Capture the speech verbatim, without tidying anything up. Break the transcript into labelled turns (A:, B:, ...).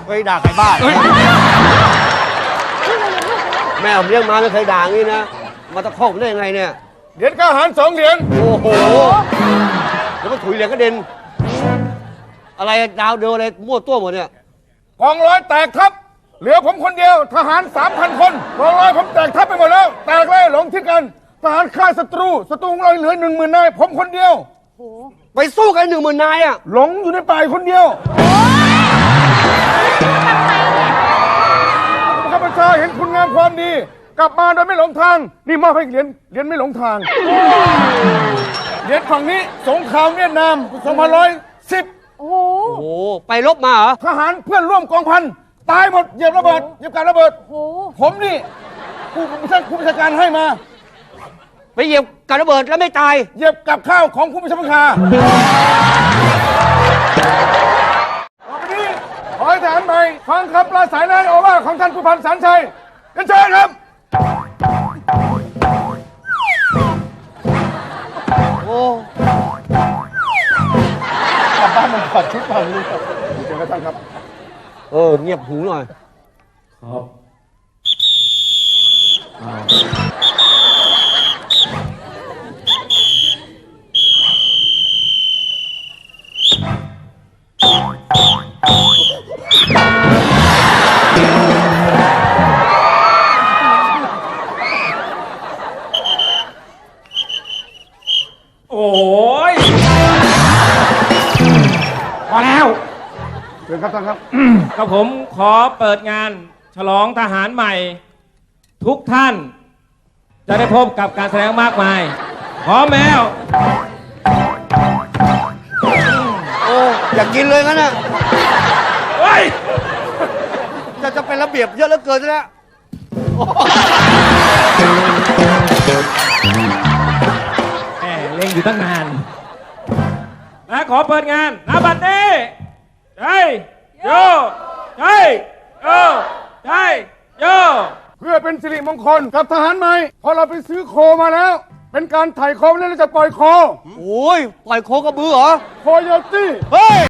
A: เคยด่าใครบ้างแม่ผมเลี้ยงมาไม่เคยด่างี้นะมาตะคอกได้ยังไงเนี่ย
B: เหรียญกล้าหาญสองเหรียญ
A: โอ้โหแล้วก็ถุยเหรียญกระเด็นอะไรดาวเดียวอะไรมั่วตัวหมดเนี่ย
B: กองร้อยแตกทัพเหลือผมคนเดียวทหารสามพันคนกองร้อยผมแตกทัพไปหมดแล้วแตกเลยหลงทิศกันทหารฆ่าศัตรูศัตรูของเราเหลือหนึ่งหมื่นนายผมคนเดียว
A: ไปสู้กันหนึ่งหมื่นนายอ่ะ
B: หลงอยู่ในป่าคนเดียวข้าพเจ้าเห็นคุณงามความดีกลับมาโดยไม่หลงทางนี่มอบให้เหรียญเหรียญไม่หลงทางเหรียญฝั่งนี้สงครามเวียดนามสองพันร้อยสิบ
C: โอ้โห
A: ไปลบมาเหรอ
B: ทหารเพื่อนร่วมกองพันตายหมดเหยียบระเบิดเหยียบการระเบิดผมนี่ผู้บัญชาผู้บัญชาการให้มา
A: ไปเหยียบการระเบิดแล้วไม่ตาย
B: เหยียบกับข้าวของผู้บัญชาการต่อไปนี้ขอให้ทหารใหม่ฟังคำปราศรัยในโอวาทของท่านผู้พันสันชัยกันเชิญครับ
A: โอ้
B: กลับบ้านมันถอดชุดมาเลยครับเชิญท่านครับ
A: เออเงียบหูหน่อย
B: ครับ
D: โอ้ยพอแล้ว
B: เชิญครับท่านครับ
D: กับผมขอเปิดงานฉลองทหารใหม่ทุกท่านจะได้พบกับการแสดงมากมายพร้อมแล้ว
A: โอ้อยากกินเลยงั้นนะ
D: เฮ้ย
A: จะจะเป็นระเบียบเยอะเหลือเกินแล้ว
D: แหมเล่งอยู่ตั้งนานและขอเปิดงานณบัดนี้ใช่โยใช่โยใช่โย
B: เพื่อเป็นสิริมงคลกับทหารใหม่พอเราไปซื้อโคมาแล้วเป็นการไถ่โคแล้วเราจะปล่อยโค
A: โอ้ยปล่อยโคกระบือเหรอ
B: โคโยตี้
A: เฮ้ย